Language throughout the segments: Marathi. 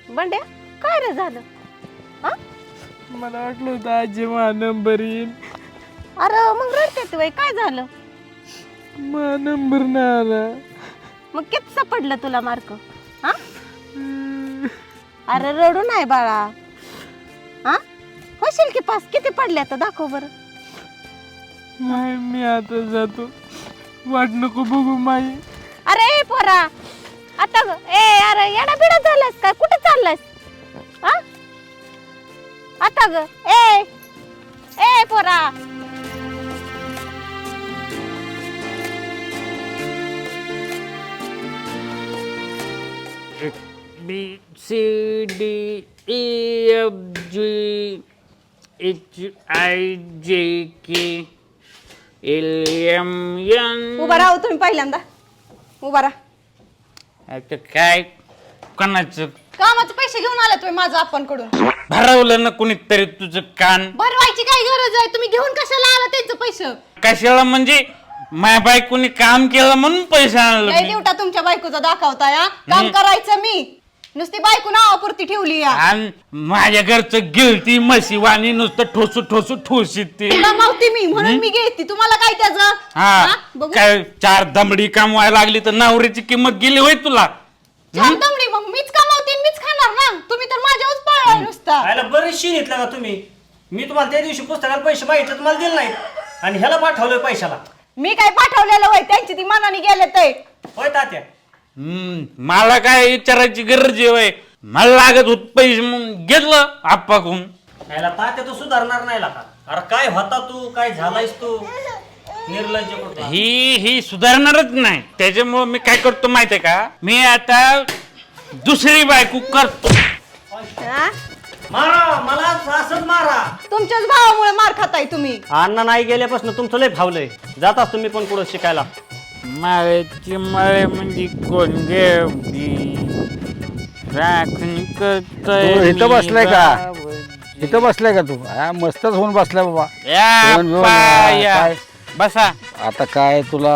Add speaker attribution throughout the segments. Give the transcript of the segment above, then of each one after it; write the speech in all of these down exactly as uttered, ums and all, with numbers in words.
Speaker 1: बंड्या काय रे झालं? हा
Speaker 2: मला वाटलं होतं आजी मा नंबर येईल.
Speaker 1: अरे मग रडते वय काय झालं?
Speaker 2: मा नंबर नाही आला.
Speaker 1: मग किती पडलं तुला मार्क? हा अरे रडू नाही बाळा. हा होशील की पास. किती पडले आता दाखव बरं.
Speaker 2: नाही मी आता जातो. वाट नको बघू माई.
Speaker 1: अरे पोरा आता ग ए अरे येडा बिडा झालास काय? कुठे चाललास? हा आता ग ए ए पोरा
Speaker 3: B C D E F G H I J K L M N.
Speaker 1: उभा राहा तुम्ही पहिल्यांदा. उभा राहा.
Speaker 3: आता काय कोणाचं
Speaker 1: कामाचे पैसे घेऊन आले तुम्ही माझं आपण कडून.
Speaker 3: भरवलं ना कुणीतरी तुझं कान?
Speaker 1: भरवायची काय गरज आहे? तुम्ही घेऊन कशाला आला त्यांचं पैसे?
Speaker 3: कशाला म्हणजे माझ्या बायकोनी काम केलं म्हणून पैसे आणलं
Speaker 1: लय
Speaker 3: मी.
Speaker 1: दिवटा तुमच्या बायकोचा दाखवता या. काम करायचं मी नुसती बायको नावापुरती ठेवली या.
Speaker 3: आणि माझ्या घरचं गिळती म्हशी वाणी नुसतं ठोसू ठोसू ठोशीत ती.
Speaker 1: कमावते मी म्हणून मी घेते. तुम्हाला काय त्याचं?
Speaker 3: हा
Speaker 1: बघू.
Speaker 3: काय चार दमडी कमवायला लागली तर नवरीची किंमत गेली होय तुला?
Speaker 1: छान दमडी मग मीच कमावते आणि मीच खाणार ना. तुम्ही तर माझ्यावरच पळलाय नुसता.
Speaker 4: खायला बरेचशी घेतला का तुम्ही? मी तुम्हाला त्या दिवशी पुस्तकाला पैसे मागितले तुम्हाला दिले नाहीत आणि ह्याला पाठवलंय पैशाला.
Speaker 1: मी काय पाठवलेलं होय? त्यांची ती मनाने गेले ते.
Speaker 4: होय तात्या?
Speaker 3: हम्म, मला काय विचारायची गरज आहे होय? मला लागत होत पैसे म्हणून घेतलं आप्पाकडून.
Speaker 4: ह्याला तात्या तू सुधारणार नाही का? अरे काय होता तू? काय झालायस तू? निर्लज्ज कुठला.
Speaker 3: ही ही सुधारणारच नाही. त्याच्यामुळे मी काय करतो माहितीये का? मी आता दुसरी बायको करतो.
Speaker 1: हा?
Speaker 4: मारा मला असंच मारा.
Speaker 1: तुमच्याच भावामुळे मार खाताय तुम्ही.
Speaker 4: अण्णा नाही गेल्यापासून तुमचं लय फावलंय. जाताच तुम्ही पण पुढे शिकायला.
Speaker 3: माळ्याची माळे म्हणजे कोण गेवली राखण करतोय.
Speaker 5: तू इथं बसलाय का?
Speaker 3: गावाची.
Speaker 5: इथं बसलाय का तू? हा मस्तच होऊन बसलाय बाबा.
Speaker 3: या
Speaker 5: दोन- दोन-
Speaker 3: अप्पा, या.
Speaker 5: काय?
Speaker 3: बसा
Speaker 5: आता काय तुला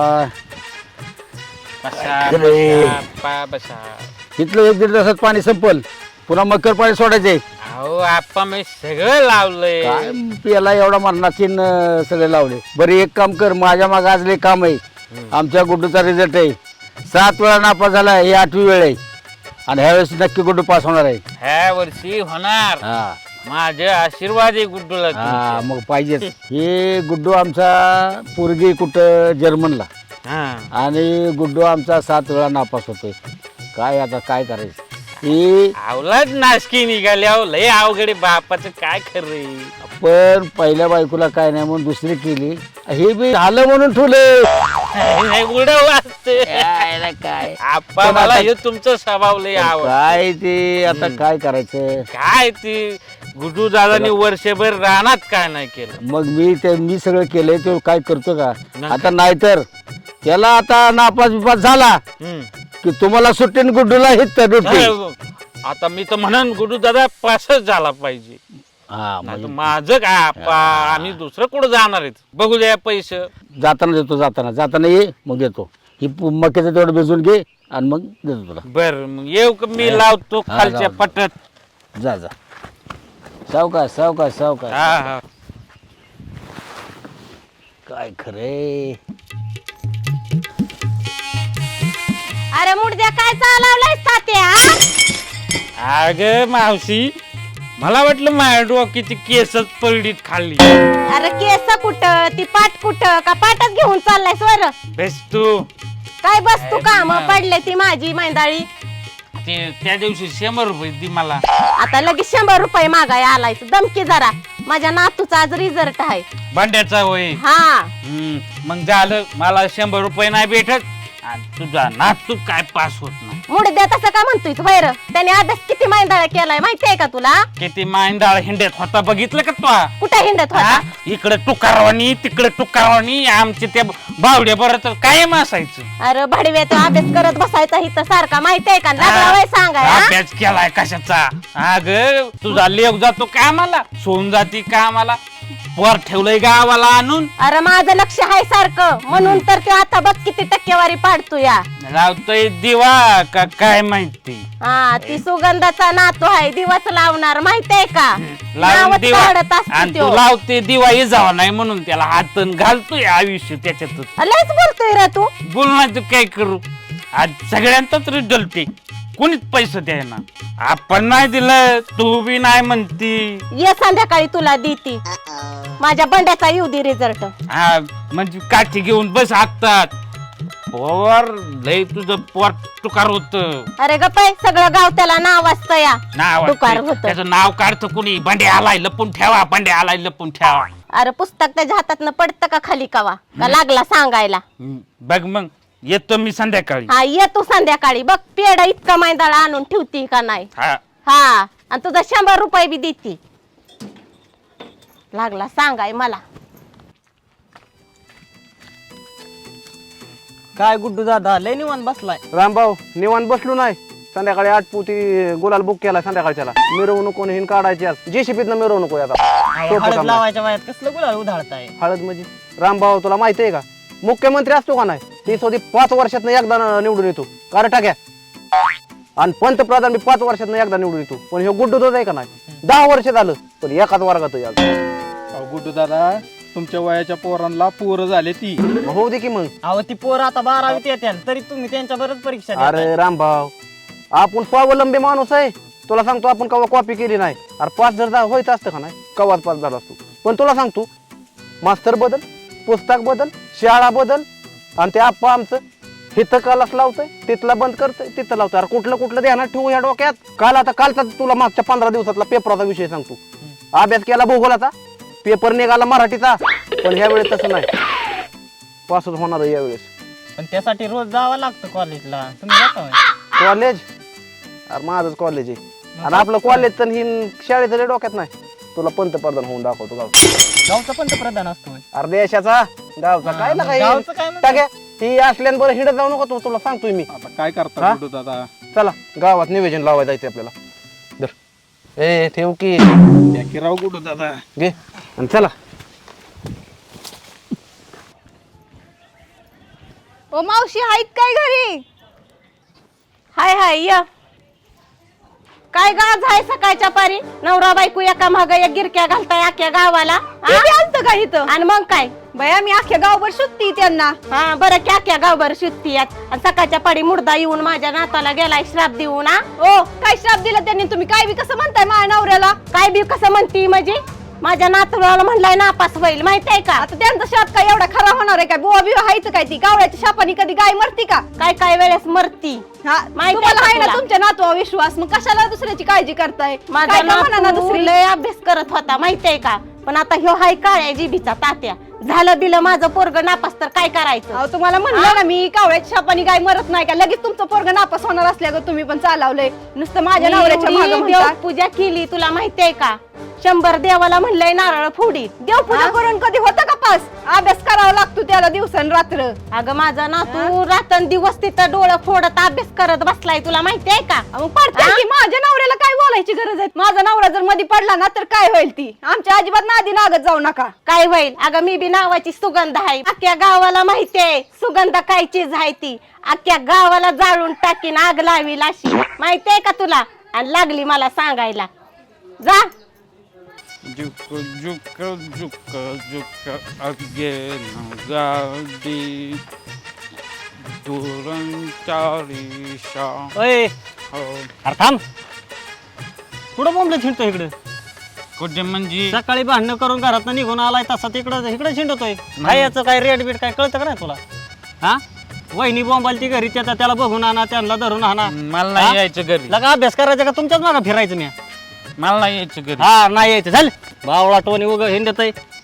Speaker 3: बसा
Speaker 5: अरे.
Speaker 3: बसा, अप्पा, बसा.
Speaker 5: इथलं एक दीड तासात पाणी संपल. पुन्हा मकर पाणी सोडायचे.
Speaker 3: अहो आप्पा मी सगळं लावलंय.
Speaker 5: काय पियाला एवढा मरणाची न सगळे लावले. बरं एक काम कर, माझ्या मागे आज लय काम आहे. आमच्या गुड्डूचा रिझल्ट आहे. सात वेळा नापास झाला. ही आठवी वेळ आहे आणि ह्यावेळेस नक्की गुड्डू पास होणार आहे.
Speaker 3: ह्या वर्षी होणार.
Speaker 5: हा
Speaker 3: माझे आशीर्वाद आहे गुड्डूला
Speaker 5: हा
Speaker 3: तुमचे.
Speaker 5: मग पाहिजेच. हे गुड्डू आमचा पोरगी कुठं जर्मनला
Speaker 3: हा.
Speaker 5: आणि गुड्डू आमचा सात वेळा नापास होतोय. काय आता काय करायचं? ही
Speaker 3: आवलाच नाशकी निघाली. अहो लय अवघड बापाचं काय खरंय.
Speaker 5: पण पहिल्या बायकोला काय नाही म्हणून दुसरी केली. हे बी झालं म्हणून ठेवले.
Speaker 3: उडव वाजते
Speaker 5: काय
Speaker 3: आप्पा मला हे तुमचं स्वभाव लय आवड.
Speaker 5: काय ते आता काय करायचं?
Speaker 3: काय ती गुड्डू दादानी वर्षभर रानात काय नाही केलं.
Speaker 5: मग मी ते मी सगळं केलंय ते काय करतो का
Speaker 3: नाही.
Speaker 5: आता? नाहीतर त्याला आता नापास बिपास झाला
Speaker 3: हम्म.
Speaker 5: की तुम्हाला सुट्टीन गुड्डूला हित रुटी.
Speaker 3: आता मी तर म्हणन गुड्डू दादा पासच झाला पाहिजे.
Speaker 5: हा
Speaker 3: नाही तर
Speaker 5: मग
Speaker 3: माझं काय आप्पा आम्ही दुसरं कुठं जाणार आहेत? बघू द्या पैसे.
Speaker 5: जाताना देतो. जाताना जाताना ये मग देतो. ही पु- मक्याचं तेवढं भिजून घे आणि मग देतो तुला.
Speaker 3: बर मग येऊ का मी लावतो
Speaker 5: हा,
Speaker 3: खालच्या
Speaker 5: लाव.
Speaker 3: पटत.
Speaker 5: जा जा सावकाश सावकाश सावकाश.
Speaker 3: हा हा
Speaker 5: काय खरे?
Speaker 1: अरे मुडद्या काय चालवलाय तात्या?
Speaker 3: अग मावशी मला वाटलं माझ्या डोक्याची केसच पलडीत खाल्ली.
Speaker 1: अरे केस कुठं? ती पाट कुठं? का पाटच घेऊन चाललाय स्वर?
Speaker 3: बेस तू
Speaker 1: काय बस तू काम
Speaker 3: अरे
Speaker 1: पडले ती माझी मैंदाळी.
Speaker 3: ते त्या दिवशी शंभर रुपये दी मला.
Speaker 1: आता लगेच शंभर रुपये मागाय आलाय. दमकी जरा. माझ्या नातूचा आज रिझल्ट आहे.
Speaker 3: भांड्याचा होय.
Speaker 1: हा
Speaker 3: हम्म, मग झालं मला शंभर रुपये नाही भेटत आणि तुझा नातू काय पास होत नाही.
Speaker 1: मुडद्या तसं का म्हणतोय तू? वैर त्याने अभ्यास किती मैंदाळा केलाय माहितीये का तुला?
Speaker 3: किती मांडाळ हिंड्यात होता बघितलं का तू?
Speaker 1: कुठे हिंडत होता?
Speaker 3: इकडे टुकारवाणी तिकडे टुकारवाणी आमचे त्या बावड्या बरं तर कायम असायचं.
Speaker 1: अरे भडव्या तो अभ्यास करत बसायचा इथं सारखा माहितीये का? लागला वय सांगाय हा?
Speaker 3: अभ्यास केलाय कशाचा? अग तुझा लेव जातो कामाला सोन जाती कामाला पोर ठेवलंय गावाला आणून
Speaker 1: अरे माझं लक्ष आहे सारखं म्हणून तर ते आता बघ किती टक्केवारी पाडतो या
Speaker 3: लावतोय दिवा का काय माहिती
Speaker 1: हा ती सुगंधाचा नातू आहे दिवस लावणार माहितीये का
Speaker 3: लावून
Speaker 1: नावच
Speaker 3: दिवा
Speaker 1: काढत असतो
Speaker 3: आणि
Speaker 1: त्यो.
Speaker 3: तू लावते दिवा इजावा नाही म्हणून त्याला हातन घालतोय आयुष्य त्याच्यातच
Speaker 1: लयच बोलतोय रे तू
Speaker 3: बोल नाही तू काय करू आज सगळ्यांचाच रिझल्ट आहे कोणीच पैसे द्यायना आपण नाही दिलं तू बी नाही म्हणती
Speaker 1: ये संध्याकाळी तुला देती माझ्या बंड्याचा येऊ दे रिझल्ट
Speaker 3: हा म्हणजे काठी घेऊन बस हाकतात पोर लय तुझं पोट तुकार होत
Speaker 1: अरे गप्पाय सगळं गाव त्याला नाव असतं या
Speaker 3: नाव
Speaker 1: तुकार
Speaker 3: असतंय.
Speaker 1: होतं.
Speaker 3: त्याचं नाव काढतं कुणी बंडे आलाय लपून ठेवा बंडे आलाय लपून ठेवा
Speaker 1: अरे पुस्तक त्याच्या हातात पडतं का खाली कवा का लागला सांगायला
Speaker 3: हम्म, बघ मग येतो मी संध्याकाळी
Speaker 1: हा ये तू संध्याकाळी बघ पेढा इतका मैदाळा आणून ठेवती का नाही
Speaker 3: हा
Speaker 1: हा आणि तुझा शंभर रुपये बी देती लागला सांगाय मला
Speaker 4: काय गुड्डू दादा लय निवांत बसलाय
Speaker 6: रामभाऊ निवांत बसलो नाही संध्याकाळी आठ पोती गुलाल बुक केला संध्याकाळच्याला मिरवणूक कोणी हिन काढायची आज जेसीबीतनं मिरवणूक आहे आता सोपं
Speaker 4: हळद
Speaker 6: काम नाही.
Speaker 4: लावायच्या वयात कसलं गुलाल उधाळताय
Speaker 6: हळद म्हणजे रामभाऊ तुला माहिती आहे का मुख्यमंत्री असतो का नाही ती स्वतः पाच वर्षात एकदा न- निवडून येतो कारण टाक्या आणि पंतप्रधान बी पाच वर्षात एकदा निवडून येतो पण हे गुड्डू दोज आहे का नाही दहा वर्ष झालं पण एकाच वर्गात आहे आज.
Speaker 2: गुड्डू दादा तुमच्या वयाच्या पोरांना पोरं झाले ती
Speaker 6: होऊ दे की मग
Speaker 4: अहो ती पोर आता बारावीत येत्या तरी तुम्ही त्यांच्या बरच परीक्षा देताय.
Speaker 6: अरे रामभाऊ आपण स्वावलंबी माणूस आहे तुला सांगतो आपण कवा कॉपी केली नाही अरे पाच जर जा- होईत असतं का नाही कवाच पाच झाला असतो पण तुला सांगतो मास्तर बदल पुस्तक बदल शाळा बदल आणि ते आप्पा आमचं हिथं कालाच लावतंय तिथला बंद करतोय तिथं लावतोय अरे कुठलं कुठलं ध्यानात ठेवू या डोक्यात काल आता कालचा तुला मागच्या पंधरा दिवसातला पेपराचा विषय सांगतो अभ्यास केला भूगोलाचा पेपर निघाला मराठीचा पण ह्या वेळेस तसं नाही पासच होणार आहे यावेळेस
Speaker 4: पण त्यासाठी रोज जावं लागतं कॉलेजला तुम्ही जाता होय?
Speaker 6: कॉलेज अरे माझंच कॉलेज आहे आणि आपलं कॉलेज तर ही शाळेचं लय डोक्यात नाही तुला पंतप्रधान होऊन दाखवतो गाव
Speaker 4: गावचा पंतप्रधान असतो होय.
Speaker 6: अरे देशाचा गावचा काय ना
Speaker 4: गावचं काय म्हणतो?
Speaker 6: काय ही असल्यान हिडत जाऊ नको तू तुला सांगतोय मी
Speaker 2: आता काय करता
Speaker 6: हा?
Speaker 2: गुड्डू दादा
Speaker 6: चला गावात निवेदन लावायला जायचं आपल्याला दर ए ठेव की
Speaker 2: या की राव गुड्डू दादा
Speaker 6: घे आणि चला
Speaker 1: ओ मावशी आहेत काय घरी हाय हाय य काय गाज आहे सकाळच्या पारी नवरा बायको एका माग एक गिरक्या घालताय अख्ख्या गावाला आलत का इथं आणि मग काय बया मी अख्ख्या गावभर शुद्धी त्यांना हा बरं की अख्ख्या गावभर शुद्धी आणि सकाळच्या पारी मुर्दा येऊन माझ्या नाताला गेलाय श्राप देऊन हा ओ काय श्राप दिला त्यांनी तुम्ही काय बी कसं म्हणताय माझ्या नवऱ्याला काय बी कसं म्हणती म्हणजे माझ्या नातवाला म्हणलाय नापास होईल माहित आहे का आता त्यांचा शाप काय एवढा खरा होणार आहे काय बुवा बिवा हायचं काय ती गावड्याच्या शापानी कधी गाय मरती का काय काय वेळेस मरती तुम्हाला आहे ना तुमच्या नातवा विश्वास मग कशाला दुसऱ्याची काळजी करताय माझा दुसरी लय अभ्यास करत होता माहित आहे का पण आता ह्यो हाय काळ्या जिबीचा तात्या झालं बिलं माझं पोरग नापास तर काय करायचं तुम्हाला म्हणलं ना मी कावळ्याच्या शापानी गाय मरत नाही का लगेच तुमचं पोरग नापास होणार असल्यावर तुम्ही पण चालवलंय नुसतं माझ्या नवऱ्याच्या मागे पूजा केली तुला माहितीये का शंभर देवाला म्हणलंय नारळ फोडी देव पूजा करून कधी होतं का पास अभ्यास करावा लागतो त्याला दिवसन रात्र अगं माझा नातू रातन दिवस तिथं डोळं फोडत अभ्यास करत बसलाय तुला माहितीये का मग पडते की माझ्या नवऱ्याला काय बोलायची गरज आहे माझा नवरा जर मध्ये पडला ना तर काय होईल ती आमच्या अजिबात नादी नागत जाऊ नका काय होईल अगं मी बी नावाची सुगंध आहे अख्ख्या गावाला माहितीये सुगंध काय चीज आहे ती अख्ख्या गावाला जाळून टाकीन आग लावील अशी माहितीये का तुला आणि लागली मला सांगायला जा
Speaker 3: जुक जुक जुक जुक अगेन गाडी दुरंचारी शा
Speaker 4: ओय
Speaker 3: हो
Speaker 4: अरे थांब कुठं बोंबलं छिंडतो इकडं
Speaker 3: कुठे म्हणजे
Speaker 4: सकाळी भांडणं करून घरात निघून आलाय तसा तिकडं इकडे छिंडतोय काय याचं काय रेट बीट काय कळतं का नाही तुला हा वहिनी बोंबाल ती घरी त्याचा त्याला बघून आणा त्यांना धरून आणा
Speaker 3: मला नाही यायचं घरी
Speaker 4: लगा अभ्यास करायचा का तुमच्याच मागं फिरायचं मी
Speaker 3: मला नाही यायचं घरी
Speaker 4: हा नाही यायचं झालं बावळा टोनी उग हिंडत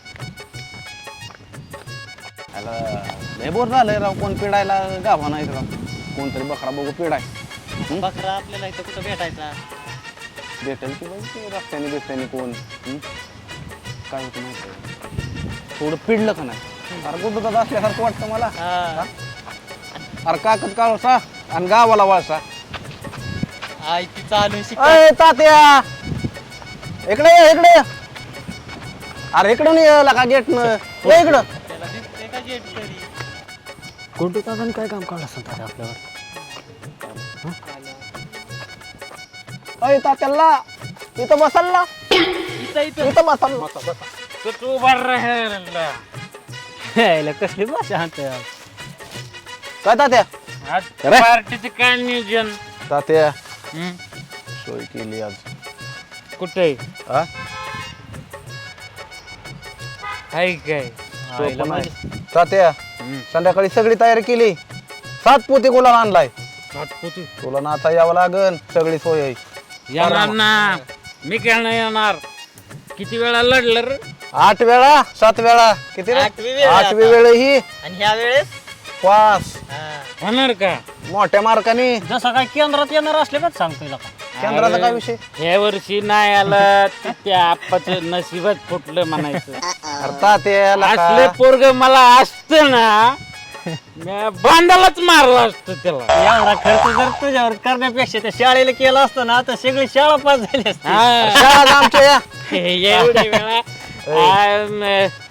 Speaker 6: लय बोर झालंय राव कोण पिडायला गाभा नाही राव कोणतरी बकरा बघू पिडाय
Speaker 4: बकरा आपल्याला इथं कुठं भेटायचा
Speaker 6: भेटेल की बाई ते रस्त्याने बिस्त्याने कोण हं? काय होतं माहिती थोडं पिडलं का नाही अरे कुठं दादा असल्यासारखं वाटतं मला
Speaker 4: हा.
Speaker 6: अरे काकत काळसा आणि गावाला वळसा
Speaker 4: आई ती चालू शिक
Speaker 6: अय तात्या इकडे ये, इकडे ये. अरे इकडून यायला का गेट न ये इकडं गुड्डू दादाने काय काम काढलं असं तात्या आपल्यावर अय तात्याला इथं बसल्ला इथं बसल्ला
Speaker 3: तर तू उभा राहिला
Speaker 4: यायला कसली भाषा हाणतोय आज.
Speaker 6: काय तात्या
Speaker 3: आज पार्टीचं काय नियोजन
Speaker 6: तात्या
Speaker 3: हं?
Speaker 6: सोय केली आज
Speaker 3: कुठे
Speaker 6: हा
Speaker 3: आहे काय
Speaker 6: सोय पण आहे. तात्या संध्याकाळी सगळी तयारी केली सात पोते गुलाल आणलाय तुला ना आता यावं लागन सगळी सोय आहे
Speaker 3: येणार ना मी काय नाही येणार किती वेळा लढलं रे
Speaker 6: आठ वेळा सात वेळा किती रे?
Speaker 4: आठवी वेळ
Speaker 6: आठवी
Speaker 4: आता.
Speaker 6: वेळ ही
Speaker 4: आणि ह्या वेळेस
Speaker 6: पास
Speaker 3: होणार का
Speaker 6: मोठ्या मार्काने
Speaker 4: जसं काय केंद्रात येणार असले का सांगतोय का
Speaker 6: केंद्राचा काय विषय
Speaker 3: ह्या वर्षी नाही आलं तर त्या आप्पाचं नशिबच फुटलं म्हणायचं
Speaker 6: अरे तात्या
Speaker 3: असले
Speaker 6: लका.
Speaker 3: पोरग मला असतं ना म्या बांधालाच मारला असतं त्याला
Speaker 4: एवढा खर्च जर तुझ्यावर करण्यापेक्षा त्या शाळेला केला असतं ना तर सगळी शाळा पास झाली असती
Speaker 3: हा.
Speaker 6: शाळा जा आमच्या या
Speaker 3: एवढी वेळा आम,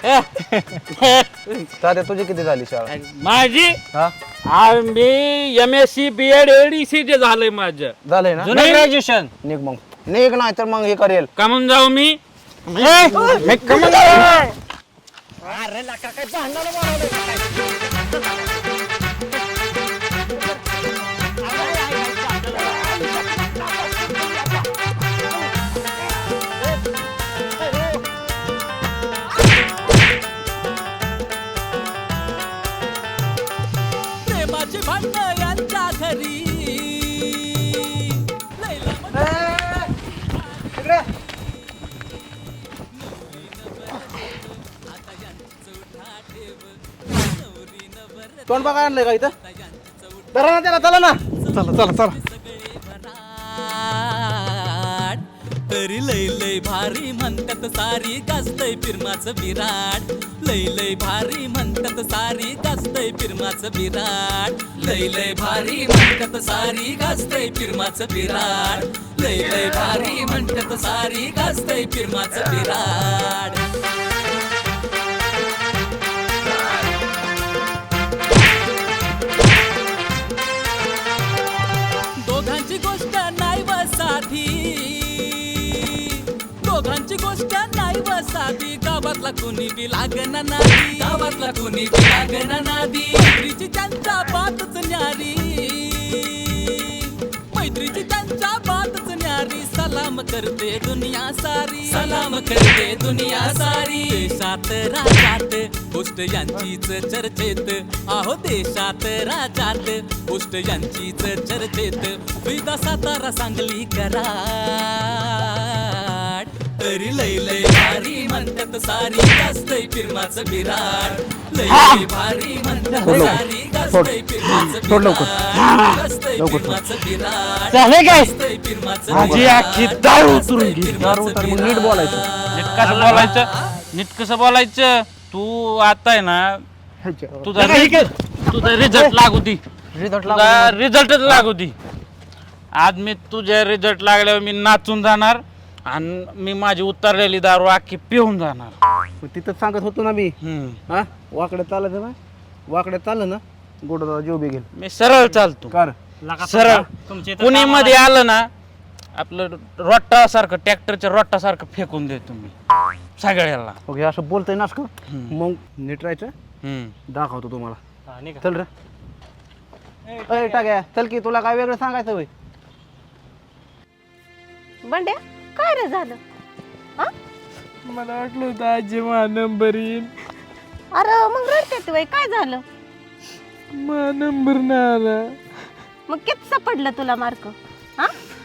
Speaker 6: तात्या तुझी किती झाली शाळा
Speaker 3: माझी
Speaker 6: हा
Speaker 3: आम्ही M S C B Ed ADC जे झालंय माझं
Speaker 6: झालंय ना
Speaker 4: जुनं ग्रॅज्युएशन
Speaker 6: निघ मग निघ नाही तर मग हे करेल
Speaker 3: कमून जाऊ मी मी कमून जाऊ
Speaker 7: प्रेमाची भांडण यांच्या घरी
Speaker 6: तोंड बघा आणलंय का इथं चला ना त्याला चला ना चला चला चला
Speaker 7: तरी लय लय भारी म्हणतात सारी गाजतय फिरमाचं विराट लय लय भारी म्हणतात सारी गाजतय फिरमाचं विराट लय लय भारी म्हणतात सारी गाजतय फिरमाचं विराट लय लय भारी म्हणतात सारी गाजतय फिरमाचं विराट दोघांची गोष्ट नाही व साधी दोघांची गोष्ट नाही व साधी गावातला कोणी बी लागना नादी गावातला कोणी बी लागना नादी मैत्रीची त्यांच्या बातच न्यारी मैत्रीची त्यांच्या बातच न्यारी सलाम करते दुनिया सारी सलाम करते दुनिया सारी देशात राजात गोष्ट यांचीच चर्चेत आहो देशात राजात गोष्ट यांचीच चर्चेत विदा सातारा सांगली कराड तरी लय लय भारी म्हणतात सारी गाजतय फिरमाचं विराट लय लय भारी म्हणतात सारी गाजतय फिरमाचं विराट गाजतय फिरमाचं विराट
Speaker 3: झाले काय
Speaker 7: गाजतय फिरमाचं
Speaker 3: माझी आखी दारू उतरून गेली.
Speaker 6: दारू उतर मग नीट बोलायचं
Speaker 3: नीट कसं बोलायचं नीट कसं बोलायचं तू आता आहे ना तुझा तुझा रिझल्ट लागू दे
Speaker 6: रिझल्ट
Speaker 3: तुझा रिझल्टच लागू दे आज मी तुझ्या रिझल्ट लागल्यावर मी नाचून जाणार आणि मी माझी उतरलेली दारू अख्खी पिऊन जाणार
Speaker 6: तिथं सांगत होतो ना मी
Speaker 3: हम्म.
Speaker 6: हा वाकडे चालायचं ना वाकडे चाललं ना गोड जीव बी घेईल
Speaker 3: मी सरळ चालतो
Speaker 6: कर
Speaker 3: सरळ
Speaker 4: तुमच्या इथं
Speaker 3: कुणी
Speaker 4: कामाला-
Speaker 3: मध्ये आलं ना आपलं रोट्टा सारखं ट्रॅक्टरच्या रोट्टा सारखं फेकून देतो मी सगळ्याला
Speaker 6: ओके असं बोलतोय ना असं मग नीट राहायचं
Speaker 3: हम्म.
Speaker 6: दाखवतो तुम्हाला
Speaker 4: हा, निघा.
Speaker 6: चल रे अय टाक्या चल की तुला काय वेगळं सांगायचं होय
Speaker 1: बंड्या काय रे झालं हा
Speaker 2: मला वाटलं होतं आजी मा नंबर येईल
Speaker 1: अरे मग रडते वय काय झालं
Speaker 2: मा नंबर नाही आला
Speaker 1: मग किती सापडलं तुला मार्क हा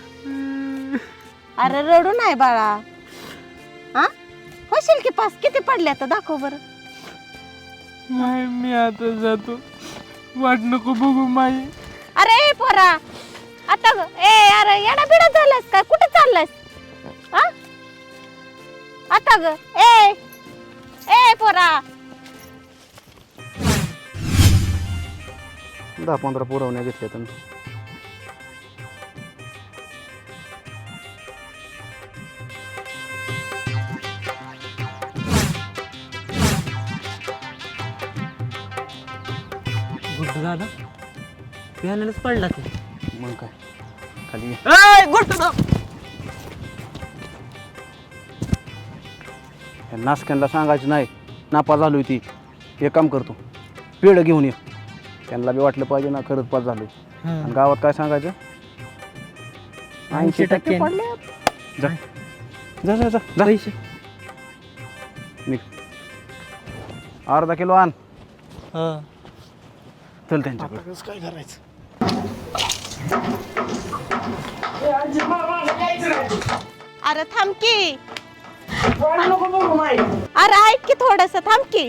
Speaker 1: अरे रडू नाही बाळा हा होशील की पास किती पडल्या तर दाखव बरं
Speaker 2: नाही मी आता जातो वाट नको बघू माई
Speaker 1: अरे ए पोरा आता ग- ए अरे येडा बिडा झालास काय कुठे चाललास हा आता ग ए ए पोरा
Speaker 6: दहा पंधरा पुरवण्या घेतल्या तुम्ही
Speaker 4: दादा बिहानेच पडला ते
Speaker 6: मग काय खाली ये.
Speaker 4: ए, गोष्ट दाब.
Speaker 6: या नासक्यांना सांगायचं नाही नापास झालोय ती एक काम करतो पेढ घेऊन ये त्यांना बी वाटलं पाहिजे ना खरंच पास झालोय आणि गावात काय सांगायचं ऐंशी टक्के पडले जा जा जा जा जा. निघ अर्धा किलो आण
Speaker 4: हा.
Speaker 6: चल त्यांच्याकडे
Speaker 1: अरे थांब की अरे ऐक की थोडस थांब की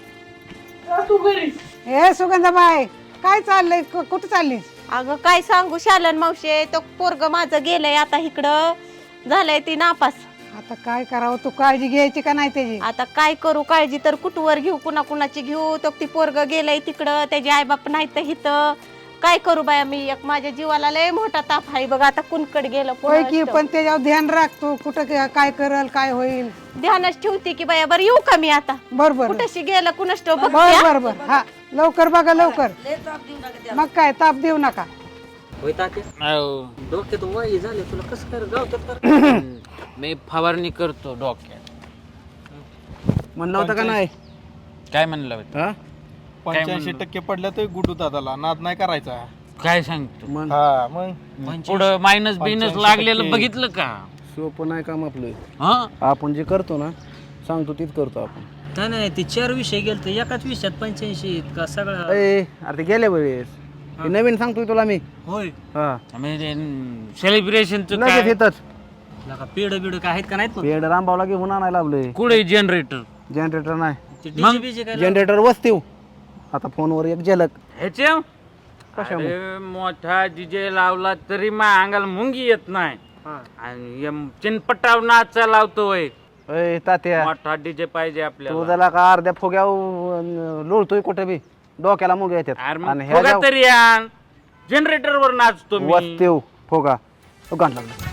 Speaker 8: हे सुगंधाबाई काय चाललंय कु- कुठं चाललीस
Speaker 1: अगं काय सांगू शालन मावशे तो पोरग माझं गेलंय आता इकडं झालंय ती नापास.
Speaker 8: आता काय करावं तू काळजी घ्यायची का नाही त्याची
Speaker 1: आता काय करू काळजी तर कुठवर घेऊ कुणा कुणाची घेऊ तो ती पोरग गेलंय तिकडं त्याचे आई बाप नाही तर हिथं काय करू बाया मी एक माझ्या जीवाला लय मोठा ताप आहे बघ आता कुणकड गेलं
Speaker 8: होय की
Speaker 1: कोणास ठाऊक.
Speaker 8: पण त्याच्यावर ध्यान राख तू कुठं क- काय करल काय होईल
Speaker 1: ध्यानच ठेवते की बाया बरं येऊ का मी आता
Speaker 8: बरोबर
Speaker 1: कुठशी गेलं कुणास ठाऊक
Speaker 8: बर
Speaker 1: बघते, हा?
Speaker 8: बर बर हा लवकर बघा लवकर मग काय ताप देऊ नका
Speaker 4: होय तात्या
Speaker 3: अहो,
Speaker 4: डोक्यात वय झाले तुला कसं कर गावतात कर
Speaker 3: मी फवारणी करतो डोक्यात.
Speaker 6: म्हणलं होतं का नाही
Speaker 3: काय म्हणलं होतं?
Speaker 6: हा
Speaker 2: पंच्याऐंशी टक्के पडल्या तर गुडू दादाला नाद नाही करायचा.
Speaker 3: काय सांगतो
Speaker 6: मग
Speaker 2: हा मग
Speaker 3: पुढं मायनस बिनस
Speaker 2: पंच्याऐंशी
Speaker 3: लागलेलं
Speaker 2: टक्के.
Speaker 3: बघितलं का?
Speaker 6: सोपं नाही काम आपलं
Speaker 3: हा
Speaker 6: आपण जे करतो ना सांगतो तीच करतो आपण
Speaker 4: नाही नाही ते चार विषय गेल तर एकाच विषयात पंच्याऐंशी का सगळं
Speaker 6: ए अरे ते गेल्या वेळेस हे नवीन सांगतोय तुला मी
Speaker 4: होय
Speaker 6: हा
Speaker 3: सेलिब्रेशनचं
Speaker 6: लगेच
Speaker 3: काय
Speaker 6: येतच
Speaker 4: लका पेड बिड काय आहेत का नाहीत पण
Speaker 6: पेड रामभावला घेऊन आणायला लावलंय
Speaker 3: कुठे जनरेटर
Speaker 6: जनरेटर नाही
Speaker 4: ते डीजे बीजे काय
Speaker 6: जनरेटर वस्तीव आता फोनवर एक झलक
Speaker 3: ह्याचे अरे मोठा डीजे लावला तरी मा अंगाला मुंगी येत नाही आणि एम- चिनपटाव नाचा लावतोय.
Speaker 6: ए तात्या
Speaker 3: मोठा डीजे पाहिजे
Speaker 6: तू
Speaker 3: आपल्याला.
Speaker 6: त्याला का अर्ध्या फुग्या लोळतोय कुठे बी डोक्याला मुग्या
Speaker 3: अरे
Speaker 6: येतात
Speaker 3: मग
Speaker 6: आणि
Speaker 3: फुगा
Speaker 6: ह्या
Speaker 3: तरी आण जनरेटर वर नाचतो मी.
Speaker 6: वस्तीव फुगा तो गाण लागला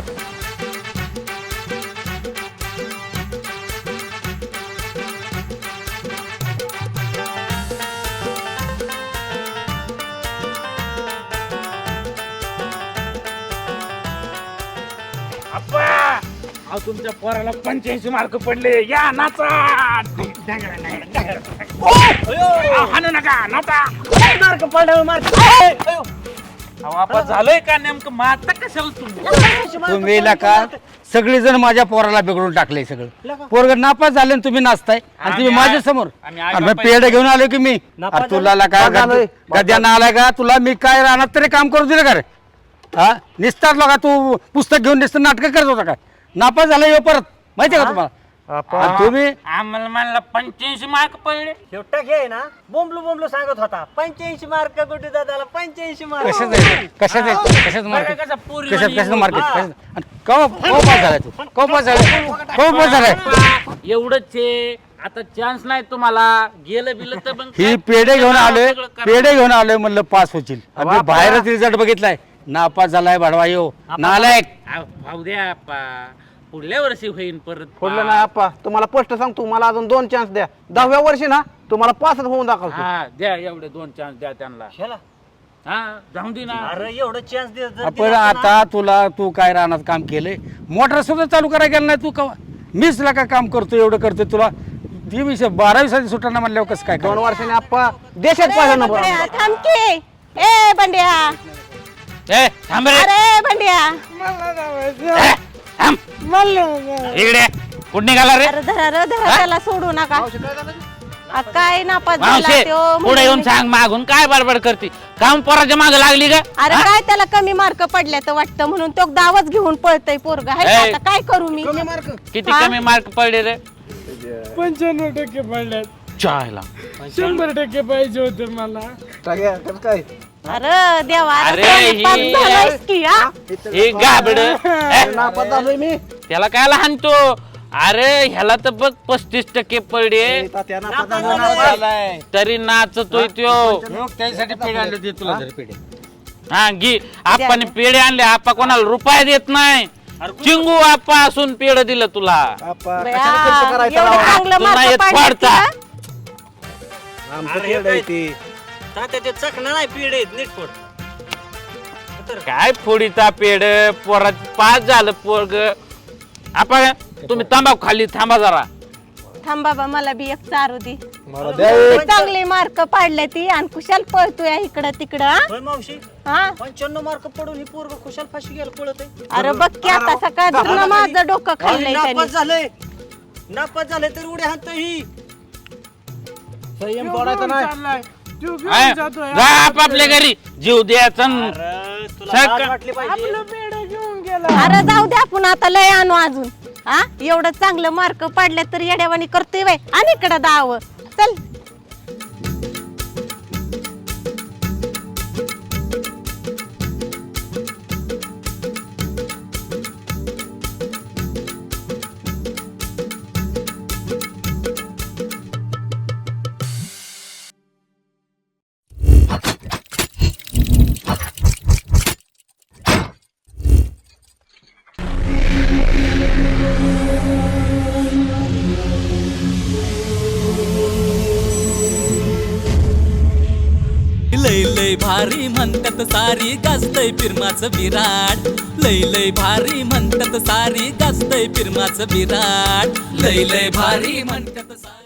Speaker 3: अप्पा अहो तुमच्या पोराला पंच्याऐंशी मार्क पडले या नाचा. अहो, हाणू नका नाचा.
Speaker 4: मार्क पडल्यावर मार्क
Speaker 3: अहो, आपा झालंय का नेमकं मारता कशाला तुम्ही?
Speaker 5: तुम्ही का सगळेजण माझ्या पोराला बिघडून टाकले सगळं पोरग नापास झाले आणि तुम्ही नाचताय आणि तुम्ही
Speaker 3: आम्ही
Speaker 5: माझ्या समोर
Speaker 3: आम्ही
Speaker 5: आणि
Speaker 3: आईबापाई-
Speaker 5: पेढे घेऊन आलो की मी
Speaker 4: नापास
Speaker 5: अरे तुला का
Speaker 6: नापास झालोय.
Speaker 5: गद्यानं आलाय का तुला मी काय राहणार तरी काम करू दिलं का रे हा निसतात का तू पुस्तक घेऊन निसत नाटक करत होता काय नापास झाला येऊ परत माहितीये का तुम्हाला आणि तुम्ही
Speaker 3: आम्हाला म्हणला पंच्याऐंशी मार्क पडले.
Speaker 4: शेवटा घे ना बोंबलू बोंबलू सांगत होता पंच्याऐंशी मार्क गुड्डू दादाला पंच्याऐंशी मार्क
Speaker 5: कशाच आहे कशाच आहे कशाच मार्केट
Speaker 3: कसा पोरी
Speaker 5: कशात
Speaker 3: वाणी
Speaker 5: कशाचं मार्केट कवा कवा पास झालाय तू कवा पास झालाय कवा पास झालाय
Speaker 3: एवढंच आहे आता चान्स नाही तुम्हाला गेलं बिलं तर मग
Speaker 5: ही
Speaker 3: काय?
Speaker 5: पेढे घेऊन आलोय
Speaker 3: सगळं करा.
Speaker 5: पेढे घेऊन आलोय म्हणलं पास होतील आणि मी बाहेरच रिझल्ट बघितलाय नापास झालाय भाडवा येऊ नालायक
Speaker 3: अहो, भाऊ द्या आप्पा. पुढल्या वर्षी होईन परत
Speaker 6: फोडलं नाही आप्पा तुम्हाला स्पष्ट सांगतो मला अजून दोन चान्स द्या दहाव्या वर्षी ना तुम्हाला पासच होऊन दाखवतो
Speaker 3: हा द्या एवढे दोन चान्स द्या त्यांना.
Speaker 4: ह्याला
Speaker 3: हा जाऊन दे ना.
Speaker 4: अरे एवढं चान्स दे जर
Speaker 5: आपण
Speaker 4: दिला असता ना,
Speaker 5: आता तुला तू काय राहणार काम केलंय मोटर सुद्धा चालू करायला गेला नाही तू कवा मीच ला का काम करतो एवढं करतोय तुला ती विषय बारावी साठी सुटाना म्हणल्यावर कसं काय
Speaker 6: दोन
Speaker 5: करायचं?
Speaker 6: वर्षांनी आप्पा देशात पहिला नंबर
Speaker 1: बंड्या,
Speaker 6: आणला.
Speaker 1: थांब की ए बंड्या
Speaker 3: ए थांब रे.
Speaker 1: अरे बंड्या
Speaker 3: ए, थांब. इकडे कुठं निघाला रे?
Speaker 1: अरे धरा रे धरा त्याला सोडू नका आ, काय नापास झाला
Speaker 3: मावशे
Speaker 1: त्यो
Speaker 3: पुढे
Speaker 1: म्हणून
Speaker 3: येऊन
Speaker 1: मी-
Speaker 3: सांग मागून काय बडबड करते काम पोराच्या मागे लागली का?
Speaker 1: अरे काय त्याला कमी मार्क पडले तर वाटतं म्हणून तो दावच घेऊन पळतय पोरग आहे का?
Speaker 3: ए.
Speaker 1: आता काय करू मी
Speaker 3: किती
Speaker 1: हा?
Speaker 3: कमी मार्क पडले रे?
Speaker 2: पंच्याण्णव टक्के पडल्यात
Speaker 3: चायला
Speaker 2: शंभर टक्के पाहिजे होते मला.
Speaker 6: टाक्या, कसं काय
Speaker 1: अरे देवा
Speaker 3: अरे
Speaker 1: अरे पास
Speaker 3: ही-
Speaker 1: झालायस की हा?
Speaker 3: हे गाबड
Speaker 6: नापास झालोय मी
Speaker 3: त्याला काय लहान तो अरे ह्याला तर बघ पस्तीस टक्के पडले
Speaker 6: तात्या नापास झालोय.
Speaker 3: तरी नाचतोय त्यो.
Speaker 5: त्यासाठी पेढे आणले होते तुला जरी पेढे
Speaker 3: हा घे आपण पेढे आणले आपा कोणाला रुपये देत नाही चिंगू आपा असून पेढ दिलं तुला.
Speaker 6: आप्पा
Speaker 1: बया,
Speaker 6: कशाला खर्च करायचा
Speaker 1: एवढं
Speaker 6: लावा?
Speaker 1: चांगलं
Speaker 3: तुला
Speaker 1: मार्क
Speaker 3: येत
Speaker 1: पाडले
Speaker 3: पाडता.
Speaker 1: का?
Speaker 6: आमचं खेळ आहे ते
Speaker 4: त्याचे चकणं नाही पिढ आहेत नीट फोड
Speaker 3: काय फोडीचा पेड पोरात पाच झालं पोरग आपण तुम्ही तंबाखू खाली थांबा जरा.
Speaker 1: थांब बाबा मला बी एक चारू दे.
Speaker 6: मला द्या एक.
Speaker 1: चांगले मार्क पाडले ती आणि कुशाल पळतोय इकडं तिकडं हा?
Speaker 4: होय मावशी
Speaker 1: हा
Speaker 4: पंच्याण्णव मार्क पडून ही पोरग खुशाल फाशी गेलं पळत आहे.
Speaker 1: अरे बघ की आता सकाळ माझं डोकं खाल्लंय त्याने.
Speaker 4: नापास झालंय नापास झालंय तर उड्या हाणतो ही.
Speaker 6: संयम पडायचा नाही.
Speaker 2: चाललाय तू घेऊन
Speaker 3: हा?
Speaker 2: जातोय
Speaker 3: जा आपापल्या घरी जीव द्यायचा न-
Speaker 4: अरे, तुला
Speaker 3: साहेब
Speaker 4: लाज
Speaker 3: का-
Speaker 4: वाटली पाहिजे.
Speaker 2: आपलं पेड घेऊन गेला.
Speaker 1: अरे जाऊ दे आपण आता लय आणू अजून हा एवढं चांगलं मार्क पाडले तर येड्यावानी करतोय बाय आणि इकडं दाव चल.
Speaker 7: लय लय भारी म्हणतात सारी गाजतय फिरमाचं विराट. लय लय भारी म्हणतात सारी गाजतय फिरमाचं विराट. लय लय भारी म्हणतात सारी